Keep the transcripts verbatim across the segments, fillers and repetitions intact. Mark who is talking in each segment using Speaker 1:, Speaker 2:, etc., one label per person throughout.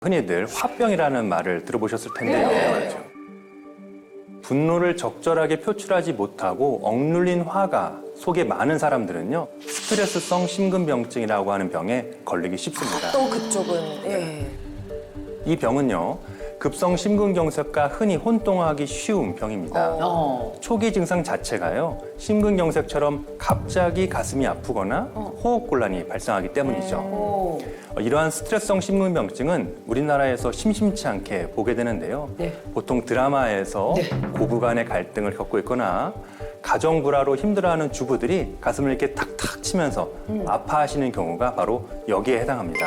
Speaker 1: 흔히들 화병이라는 말을 들어보셨을 텐데요.
Speaker 2: 네.
Speaker 1: 분노를 적절하게 표출하지 못하고 억눌린 화가 속에 많은 사람들은요, 스트레스성 심근병증이라고 하는 병에 걸리기 쉽습니다.
Speaker 2: 또 그쪽은 예.
Speaker 1: 이 병은요, 급성 심근경색과 흔히 혼동하기 쉬운 병입니다.
Speaker 3: 어.
Speaker 1: 초기 증상 자체가요, 심근경색처럼 갑자기 가슴이 아프거나 호흡곤란이 발생하기 때문이죠.
Speaker 3: 오.
Speaker 1: 어, 이러한 스트레스성 심근병증은 우리나라에서 심심치 않게 보게 되는데요.
Speaker 3: 네.
Speaker 1: 보통 드라마에서
Speaker 3: 네.
Speaker 1: 고부 간의 갈등을 겪고 있거나 가정 불화로 힘들어하는 주부들이 가슴을 이렇게 탁탁 치면서
Speaker 3: 음.
Speaker 1: 아파하시는 경우가 바로 여기에 해당합니다.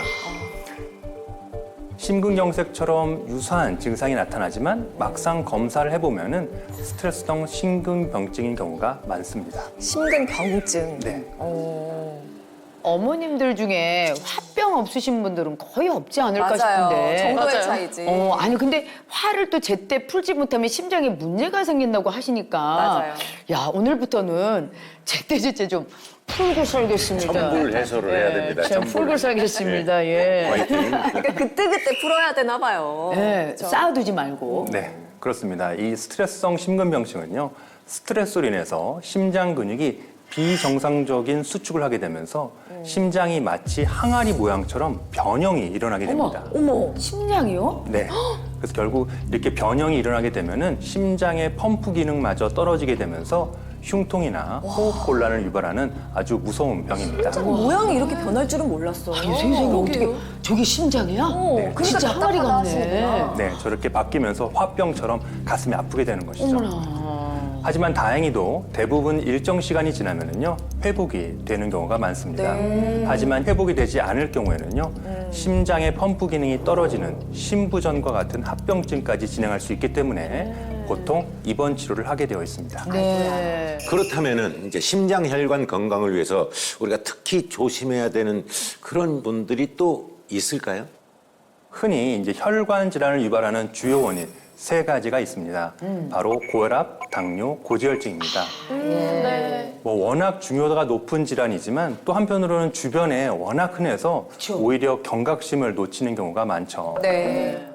Speaker 1: 심근경색처럼 유사한 증상이 나타나지만 막상 검사를 해보면은 스트레스성 심근병증인 경우가 많습니다.
Speaker 2: 심근병증.
Speaker 1: 네.
Speaker 2: 어.
Speaker 3: 어머님들 중에 화병 없으신 분들은 거의 없지 않을까
Speaker 2: 맞아요.
Speaker 3: 싶은데.
Speaker 2: 정도의
Speaker 4: 맞아요.
Speaker 2: 차이지.
Speaker 3: 어, 아니 근데 화를 또 제때 풀지 못하면 심장에 문제가 생긴다고 하시니까.
Speaker 2: 맞아요.
Speaker 3: 야, 오늘부터는 제때제때 좀 풀고 살겠습니다.
Speaker 4: 전불 해소를 해야 됩니다.
Speaker 3: 좀
Speaker 4: 전불.
Speaker 3: 풀고 살겠습니다. 예.
Speaker 4: 화이팅.
Speaker 2: 그러니까 그때그때 풀어야 되나 봐요.
Speaker 3: 예,
Speaker 2: 그렇죠?
Speaker 3: 쌓아두지 말고.
Speaker 1: 네, 그렇습니다. 이 스트레스성 심근병증은요, 스트레스로 인해서 심장 근육이 비정상적인 수축을 하게 되면서 심장이 마치 항아리 모양처럼 변형이 일어나게 됩니다.
Speaker 2: 어머.
Speaker 3: 심장이요?
Speaker 1: 네. 그래서 결국 이렇게 변형이 일어나게 되면은 심장의 펌프 기능마저 떨어지게 되면서 흉통이나 호흡 곤란을 유발하는 아주 무서운 병입니다.
Speaker 2: 모양이 이렇게 변할 줄은 몰랐어요.
Speaker 3: 아니, 선생님 어떻게 저게 심장이야?
Speaker 2: 어,
Speaker 1: 네.
Speaker 2: 그러니까
Speaker 3: 진짜 항아리
Speaker 2: 답답하다
Speaker 3: 같네.
Speaker 2: 하시는구나.
Speaker 1: 네, 저렇게 바뀌면서 화병처럼 가슴이 아프게 되는 것이죠.
Speaker 3: 어머나.
Speaker 1: 하지만 다행히도 대부분 일정 시간이 지나면은요, 회복이 되는 경우가 많습니다.
Speaker 2: 네.
Speaker 1: 하지만 회복이 되지 않을 경우에는요, 심장의 펌프 기능이 떨어지는 심부전과 같은 합병증까지 진행할 수 있기 때문에 보통 입원 치료를 하게 되어 있습니다.
Speaker 3: 네.
Speaker 4: 그렇다면은 이제 심장 혈관 건강을 위해서 우리가 특히 조심해야 되는 그런 분들이 또 있을까요?
Speaker 1: 흔히 이제 혈관 질환을 유발하는 주요 원인 세 가지가 있습니다. 바로 고혈압, 당뇨, 고지혈증입니다. 뭐 워낙 중요도가 높은 질환이지만 또 한편으로는 주변에 워낙 흔해서
Speaker 3: 그쵸.
Speaker 1: 오히려 경각심을 놓치는 경우가 많죠.
Speaker 2: 네.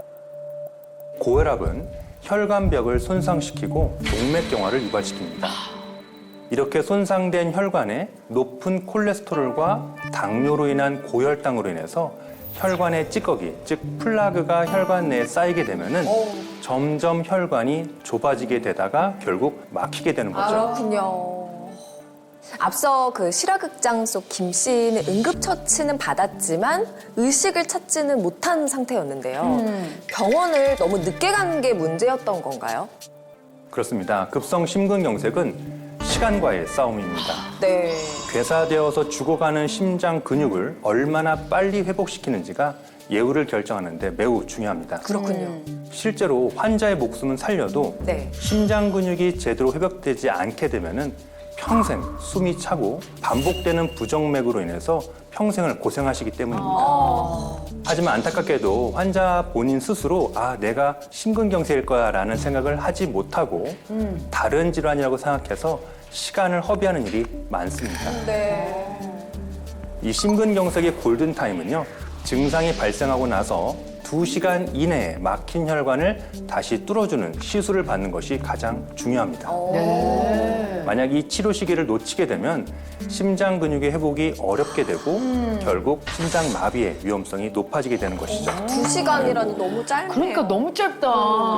Speaker 1: 고혈압은 혈관벽을 손상시키고 동맥경화를 유발시킵니다. 이렇게 손상된 혈관에 높은 콜레스테롤과 당뇨로 인한 고혈당으로 인해서 혈관의 찌꺼기, 즉 플라그가 혈관 내에 쌓이게 되면은 점점 혈관이 좁아지게 되다가 결국 막히게 되는 거죠.
Speaker 2: 그렇군요. 앞서 그 실화극장 속 김 씨는 응급처치는 받았지만 의식을 찾지는 못한 상태였는데요. 병원을 너무 늦게 간 게 문제였던 건가요?
Speaker 1: 그렇습니다. 급성 심근경색은 시간과의 싸움입니다.
Speaker 2: 네.
Speaker 1: 괴사되어서 죽어가는 심장 근육을 얼마나 빨리 회복시키는지가 예후를 결정하는데 매우 중요합니다.
Speaker 2: 그렇군요.
Speaker 1: 실제로 환자의 목숨은 살려도
Speaker 2: 네.
Speaker 1: 심장 근육이 제대로 회복되지 않게 되면은 평생 숨이 차고 반복되는 부정맥으로 인해서 평생을 고생하시기 때문입니다. 하지만 안타깝게도 환자 본인 스스로 아 내가 심근경색일 거야라는 생각을 하지 못하고 다른 질환이라고 생각해서 시간을 허비하는 일이 많습니다.
Speaker 2: 네.
Speaker 1: 이 심근경색의 골든타임은요, 증상이 발생하고 나서 두 시간 이내에 막힌 혈관을 다시 뚫어주는 시술을 받는 것이 가장 중요합니다. 만약 이 치료 시기를 놓치게 되면 심장 근육의 회복이 어렵게 되고 결국 심장 마비의 위험성이 높아지게 되는 것이죠.
Speaker 2: 두 시간이라니 너무 짧네요.
Speaker 3: 그러니까 너무 짧다.